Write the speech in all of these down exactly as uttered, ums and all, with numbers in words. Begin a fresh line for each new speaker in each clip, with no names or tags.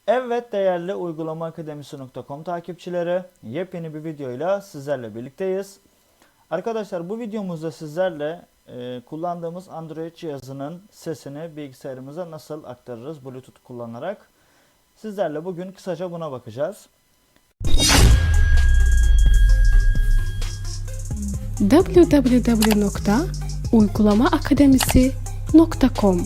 Evet değerli uygulama akademisi nokta com takipçileri, yepyeni bir videoyla sizlerle birlikteyiz. Arkadaşlar bu videomuzda sizlerle e, kullandığımız Android cihazının sesini bilgisayarımıza nasıl aktarırız Bluetooth kullanarak. Sizlerle bugün kısaca buna bakacağız.
w w w nokta uygulama akademisi nokta com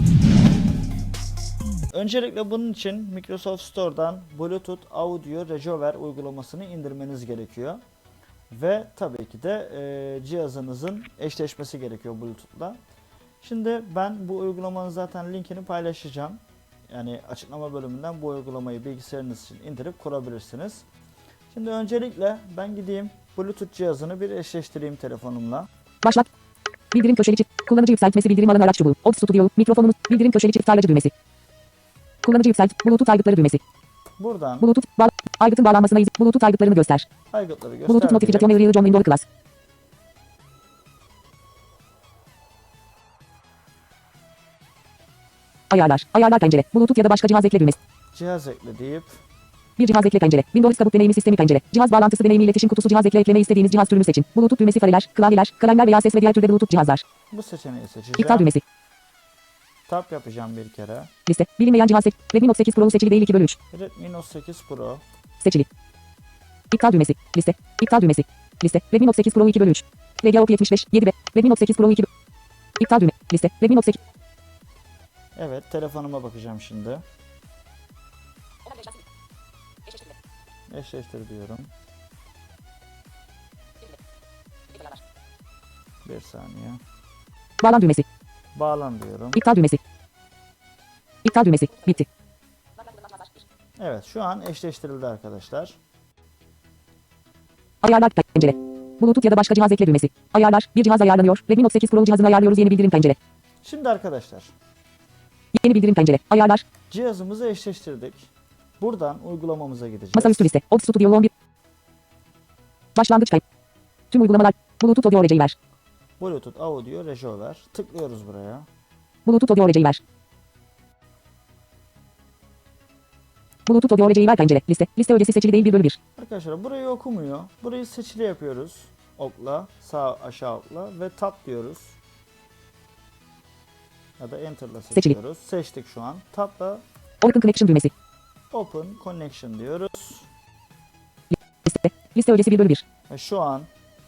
Öncelikle bunun için Microsoft Store'dan Bluetooth Audio Rejover uygulamasını indirmeniz gerekiyor. Ve tabii ki de e, cihazınızın eşleşmesi gerekiyor Bluetooth'la. Şimdi ben bu uygulamanın zaten linkini paylaşacağım. Yani açıklama bölümünden bu uygulamayı bilgisayarınız için indirip kurabilirsiniz. Şimdi öncelikle ben gideyim Bluetooth cihazını bir eşleştireyim telefonumla.
Başlat. Bildirim köşeli çift. Kullanıcı yükseltmesi bildirim alan araç çubuğu. Ops Studio. Mikrofonumuz. Bildirim köşeli çift tarlacı düğmesi. Kullanıcı yükselt. Bluetooth aygıtları düğmesi.
Buradan
Bluetooth. Ba aygıtın bağlanmasına izin. Bluetooth aygıtlarını göster.
aygıtları göster.
Bluetooth notifikasyon uyarı John Windows Class. Ayarlar. Ayarlar pencere. Bluetooth ya da başka cihaz ekle düğmesi.
Cihaz ekle deyip
Bir cihaz ekle pencere. Windows kabuk deneyimi sistemi pencere. Cihaz bağlantısı deneyimi iletişim kutusu cihaz ekle ekleme istediğiniz cihaz türünü seçin. Bluetooth düğmesi fareler, klavyeler, kalemler veya ses ve diğer türde Bluetooth cihazlar.
bu seçeneği seçeceğim.
İptal düğmesi.
Tap yapacağım bir kere.
Liste. Bilinmeyen cihaz seç. Redmi Note sekiz Pro seçili değil iki bölü üç.
Redmi Note sekiz Pro.
Seçili. İptal düğmesi. Liste. İptal düğmesi. Liste. Redmi Note sekiz Pro iki bölü üç. R G O P yetmiş beş. yedi B. Redmi Note sekiz Pro iki bölü üç. İptal düğme. Liste. Redmi Note sekiz.
Evet, telefonuma bakacağım şimdi. Eşleştir diyorum. Bir saniye.
Bağlan düğmesi.
Bağlan diyorum.
İptal düğmesi. İptal düğmesi. Bitti.
Evet, şu an eşleştirildi arkadaşlar.
Ayarlar pencere. Bluetooth ya da başka cihaz ekle düğmesi. Ayarlar. Bir cihaz ayarlanıyor. Redmi Note sekiz Pro cihazını ayarlıyoruz. Yeni bildirim pencere.
Şimdi arkadaşlar,
Yeni bildirim pencere. Ayarlar.
cihazımızı eşleştirdik. Buradan uygulamamıza gideceğiz.
Masaüstü liste. Ops Studio on bir. Başlangıç kayıt. Tüm uygulamalar. Bluetooth audio aracıyı ver.
Bluetooth Audio Rejover. Tıklıyoruz buraya.
Bluetooth audio aracıyı ver. Bluetooth audio aracıyı ver pencere. Liste. Liste ögesi seçili değil bir bölü bir.
Arkadaşlar burayı okumuyor. Burayı seçili yapıyoruz. Okla, sağ aşağı okla ve tap diyoruz. Ya da enter'la seçiyoruz. Seçtik şu an. Tapla
Open Connection düğmesi.
Open Connection diyoruz.
Liste. Liste ögesi bir bölü bir.
Ve şu an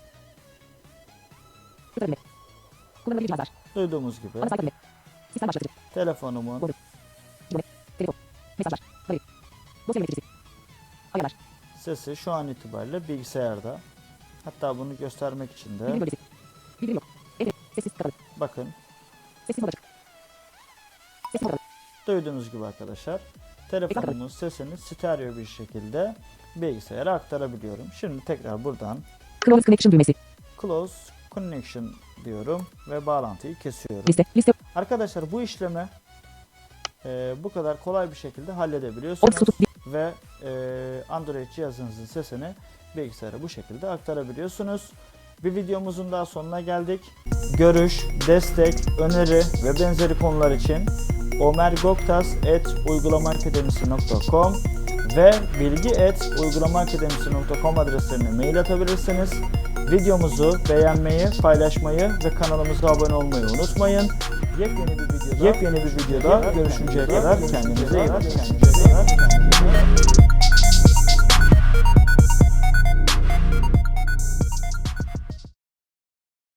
Sıfır düğme. Kullanılabilir cihazlar.
duyduğumuz gibi
Ana sayfa düğme. Sistem başlatıcı.
telefonumun
Doğru. Cümle. Telefon. Mesajlar. Arayüz. Dosya yöneticisi. Ayarlar.
sesi şu an itibariyle bilgisayarda. Hatta bunu göstermek için
Bildirim
de
bölgesi. Bildirim yok. Evet. Sessiz kapalı.
bakın
Sessiz mod açık. Sessiz mod kapalı.
duyduğunuz gibi arkadaşlar telefonumun sesini stereo bir şekilde bilgisayara aktarabiliyorum. Şimdi tekrar buradan
Close Connection düğmesi.
Close Connection diyorum ve bağlantıyı kesiyorum.
Liste. Liste.
Arkadaşlar bu işlemi e, bu kadar kolay bir şekilde halledebiliyorsunuz
Ops Studio.
ve e, Android cihazınızın sesini bilgisayara bu şekilde aktarabiliyorsunuz. Bir videomuzun daha sonuna geldik. Görüş, destek, öneri ve benzeri konular için omergoktas at uygulamaakademisi nokta com ve bilgi at uygulamaakademisi nokta com adreslerine mail atabilirsiniz. Videomuzu beğenmeyi, paylaşmayı ve kanalımıza abone olmayı unutmayın. Yepyeni bir videoda, yepyeni bir videoda görüşünceye kadar kendinize iyi bakın.